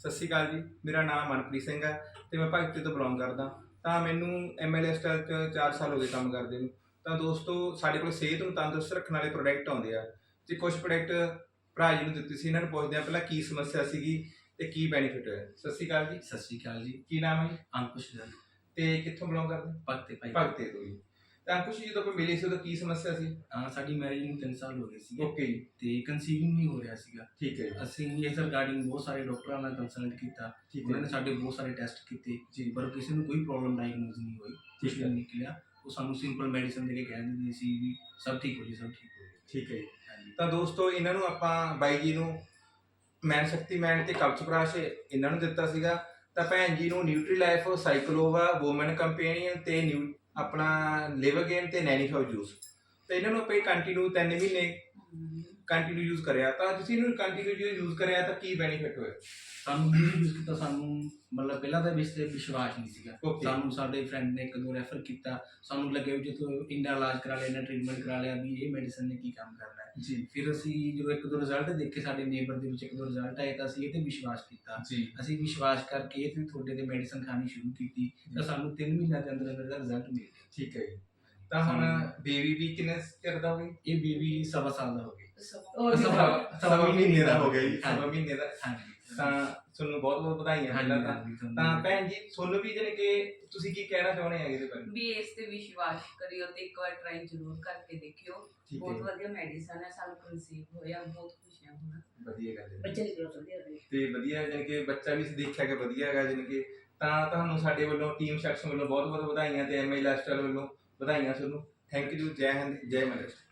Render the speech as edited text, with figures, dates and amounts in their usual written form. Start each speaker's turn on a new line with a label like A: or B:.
A: ਸਤਿ ਸ਼੍ਰੀ ਅਕਾਲ ਜੀ। ਮੇਰਾ ਨਾਮ ਮਨਪ੍ਰੀਤ ਸਿੰਘ ਹੈ ਤੇ ਮੈਂ ਭਗਤੀ ਤੋਂ ਬਿਲੋਂਗ ਕਰਦਾ। ਤਾਂ ਮੈਨੂੰ ਐਮਐਲਏ ਸਟਾਈਲ 'ਚ 4 ਸਾਲ ਹੋ ਗਏ ਕੰਮ ਕਰਦੇ ਨੂੰ। ਤਾਂ ਦੋਸਤੋ, ਸਾਡੇ ਕੋਲ ਸਿਹਤ ਨੂੰ ਤੰਦਰੁਸਤ ਰੱਖਣ ਵਾਲੇ ਪ੍ਰੋਡਕਟ ਆਉਂਦੇ ਆ ਤੇ ਕੁਝ ਪ੍ਰੋਡਕਟ ਭਰਾ ਜੀ ਨੂੰ ਦਿੱਤੇ ਸੀ। ਇਹਨਾਂ ਨੂੰ ਪੁੱਛਦੇ ਆ ਪਹਿਲਾਂ ਕੀ ਸਮੱਸਿਆ ਸੀਗੀ ਤੇ ਕੀ ਬੈਨੀਫਿਟ ਹੋਇਆ। ਸਤਿ ਸ਼੍ਰੀ ਅਕਾਲ ਜੀ।
B: ਸਤਿ ਸ਼੍ਰੀ ਅਕਾਲ ਜੀ।
A: ਕੀ ਨਾਮ ਹੈ ਜੀ?
B: ਅੰਕੁਸ਼ ਦਾ
A: ਤੇ ਕਿੱਥੋਂ ਬਿਲੋਂਗ ਕਰਦੇ?
B: ਭਗਤੇ ਭਾਈ।
A: ਭਗਤੇ ਤੋਂ ਜੀ। ਤਾਂ ਅੰਕੁਸ਼ ਜੀ, ਜਦੋਂ ਆਪਾਂ ਮਿਲੇ ਸੀ ਉਦੋਂ ਕੀ ਸਮੱਸਿਆ ਸੀ?
B: ਸਾਡੀ ਮੈਰਿਜ ਨੂੰ 3 ਸਾਲ ਹੋ ਗਏ ਸੀ
A: ਓਕੇ ਜੀ।
B: ਤੇ ਕਨਸੀਵਿੰਗ ਨਹੀਂ ਹੋ ਰਿਹਾ ਸੀਗਾ।
A: ਠੀਕ ਹੈ ਜੀ।
B: ਅਸੀਂ ਇਸ ਰਿਗਾਰਡਿੰਗ ਬਹੁਤ ਸਾਰੇ ਡਾਕਟਰਾਂ ਨਾਲ ਕੰਸਲਟ ਕੀਤਾ।
A: ਠੀਕ
B: ਉਹਨਾਂ
A: ਹੈ
B: ਨੇ ਸਾਡੇ ਬਹੁਤ ਸਾਰੇ ਟੈਸਟ ਕੀਤੇ
A: ਜੀ।
B: ਪਰ ਕਿਸੇ ਨੂੰ ਕੋਈ ਪ੍ਰੋਬਲਮ ਡਾਇਗਨੋਸ ਨਹੀਂ ਹੋਈ, ਕੁਝ
A: ਠੀਕ ਹੈ।
B: ਨਹੀਂ ਨਿਕਲਿਆ। ਉਹ ਸਾਨੂੰ ਸਿੰਪਲ ਮੈਡੀਸਨ ਦੇ ਕੇ ਕਹਿ ਦਿੰਦੇ ਸੀ ਵੀ ਸਭ ਠੀਕ ਹੋ ਜੀ, ਸਭ ਠੀਕ ਹੋ ਜੀ।
A: ਠੀਕ ਹੈ ਜੀ।
B: ਹਾਂਜੀ।
A: ਤਾਂ ਦੋਸਤੋ, ਇਹਨਾਂ ਨੂੰ ਆਪਾਂ ਬਾਈ ਜੀ ਨੂੰ ਮੈਨ ਸ਼ਕਤੀਮੈਨ ਤੇ ਕਵਚਪ੍ਰਾਸ਼ ਇਹਨਾਂ ਨੂੰ ਦਿੱਤਾ ਸੀਗਾ। ਤਾਂ ਭੈਣ ਜੀ ਨੂੰ ਨਿਊਟਰੀ ਲਾਈਫ, ਸਾਈਕਲੋਵਾ, ਵੂਮਨ ਕੰਪੈਨੀਅਨ ਤੇ ਆਪਣਾ ਲਿਵਰ ਗੇਨ ਤੇ ਨੈਨੀਫਾਉ ਜੂਸ। ਤੇ ਇਹਨਾਂ ਨੂੰ ਆਪਾਂ ਕੰਟੀਨਿਊ 3 ਮਹੀਨੇ ਕੰਟੀਨਿਊ ਯੂਜ਼ ਕਰਿਆ। ਤਾਂ ਤੁਸੀਂ ਇਹਨੂੰ ਕੰਟੀਨਿਊ ਯੂਜ਼ ਕਰਿਆ ਤਾਂ ਕੀ ਬੈਨੀਫਿਟ ਹੋਇਆ?
B: ਸਾਨੂੰ ਯੂਜ਼ ਕੀਤਾ, ਸਾਨੂੰ ਮਤਲਬ ਪਹਿਲਾਂ ਤਾਂ ਵਿਸ਼ਵਾਸ ਨਹੀਂ ਸੀਗਾ।
A: Okay.
B: ਸਾਨੂੰ ਸਾਡੇ ਫਰੈਂਡ ਨੇ 1-2 ਰੈਫਰ ਕੀਤਾ। ਸਾਨੂੰ ਲੱਗਿਆ ਵੀ ਜਦੋਂ ਇੰਨਾ ਇਲਾਜ ਕਰਾ ਲਿਆ, ਇੰਨਾ ਟ੍ਰੀਟਮੈਂਟ ਕਰਾ ਲਿਆ ਵੀ ਇਹ ਮੈਡੀਸਨ ਨੇ ਕੀ ਕੰਮ ਕਰਨਾ ਹੈ
A: ਜੀ
B: ਫਿਰ ਅਸੀਂ ਜਦੋਂ 1-2 ਰਿਜ਼ਲਟ ਦੇਖੇ, ਸਾਡੇ ਨੇਬਰ ਦੇ ਵਿੱਚ 1-2 ਰਿਜ਼ਲਟ ਆਏ ਤਾਂ ਅਸੀਂ ਇਹ ਤੇ ਵਿਸ਼ਵਾਸ ਕੀਤਾ।
A: ਜੀ।
B: ਅਸੀਂ ਵਿਸ਼ਵਾਸ ਕਰਕੇ ਇਹ ਤੇ ਤੁਹਾਡੇ ਤੇ ਮੈਡੀਸਨ ਖਾਣੀ ਸ਼ੁਰੂ ਕੀਤੀ ਤਾਂ ਸਾਨੂੰ 3 ਮਹੀਨਿਆਂ ਦੇ ਅੰਦਰ ਅੰਦਰ ਦਾ ਰਿਜ਼ਲਟ ਮਿਲ ਗਿਆ।
A: ਠੀਕ ਹੈ ਜੀ। ਤਾਂ ਹੁਣ ਬੇਬੀ ਵੀ ਕਿੰਨੇ ਚਿਰ ਦਾ ਹੋ ਗਈ?
B: ਇਹ ਬੇਬੀ 1.5 ਸਾਲ ਦਾ ਹੋ ਗਿਆ।
A: ਸਵਾ ਮਹੀਨੇ ਦਾ ਹੋ ਗਿਆ ਜੀ।
B: ਹਾਂਜੀ।
A: ਸਵਾ ਮਹੀਨੇ ਦਾ।
B: ਹਾਂਜੀ।
A: ਤਾਂ ਤੁਹਾਨੂੰ ਬਹੁਤ ਬਹੁਤ ਵਧਾਈਆਂ ਪਹਿਲਾਂ ਤਾਂ। ਤਾਂ ਭੈਣ ਜੀ, ਤੁਹਾਨੂੰ ਵੀ ਜਾਣੀ ਕਿ ਤੁਸੀਂ ਕੀ ਕਹਿਣਾ ਚਾਹੁੰਦੇ ਆ ਇਹਦੇ ਬਾਰੇ?
C: ਵੀ ਇਸ ਤੇ ਵਿਸ਼ਵਾਸ ਕਰਿਓ ਤੇ ਇੱਕ ਵਾਰ ਟਰਾਈ ਜ਼ਰੂਰ ਕਰਕੇ ਦੇਖਿਓ।
A: ਠੀਕ
C: ਬਹੁਤ
A: ਹੈ।
C: ਵਧੀਆ ਮੈਡੀਸਨ ਹੈ, ਸਾਨੂੰ ਕਨਸੀਵ ਹੋਇਆ, ਬਹੁਤ ਖੁਸ਼ ਹਾਂ ਹੁਣ।
A: ਵਧੀਆ ਗੱਲ ਹੈ
C: ਬੱਚੇ ਦੀ ਗਰੋਥ ਵਧੀਆ ਹੋਈ
A: ਤੇ ਵਧੀਆ, ਜਾਣੀ ਕਿ ਬੱਚਾ ਵੀ ਦੇਖਿਆ ਕਿ ਵਧੀਆ ਹੈਗਾ ਜਾਣੀ ਕਿ। ਤਾਂ ਤੁਹਾਨੂੰ ਸਾਡੇ ਵੱਲੋਂ ਟੀਮ ਸੈਕਸ਼ਨ ਵੱਲੋਂ ਬਹੁਤ ਬਹੁਤ ਵਧਾਈਆਂ ਤੇ ਐਮਆਈ ਲਾਈਫਸਟਾਈਲ ਵੱਲੋਂ ਵਧਾਈਆਂ ਤੁਹਾਨੂੰ। Thank you. ਜੈ ਹਿੰਦ, ਜੈ ਮਹਾਰਾਸ਼ਟਰ।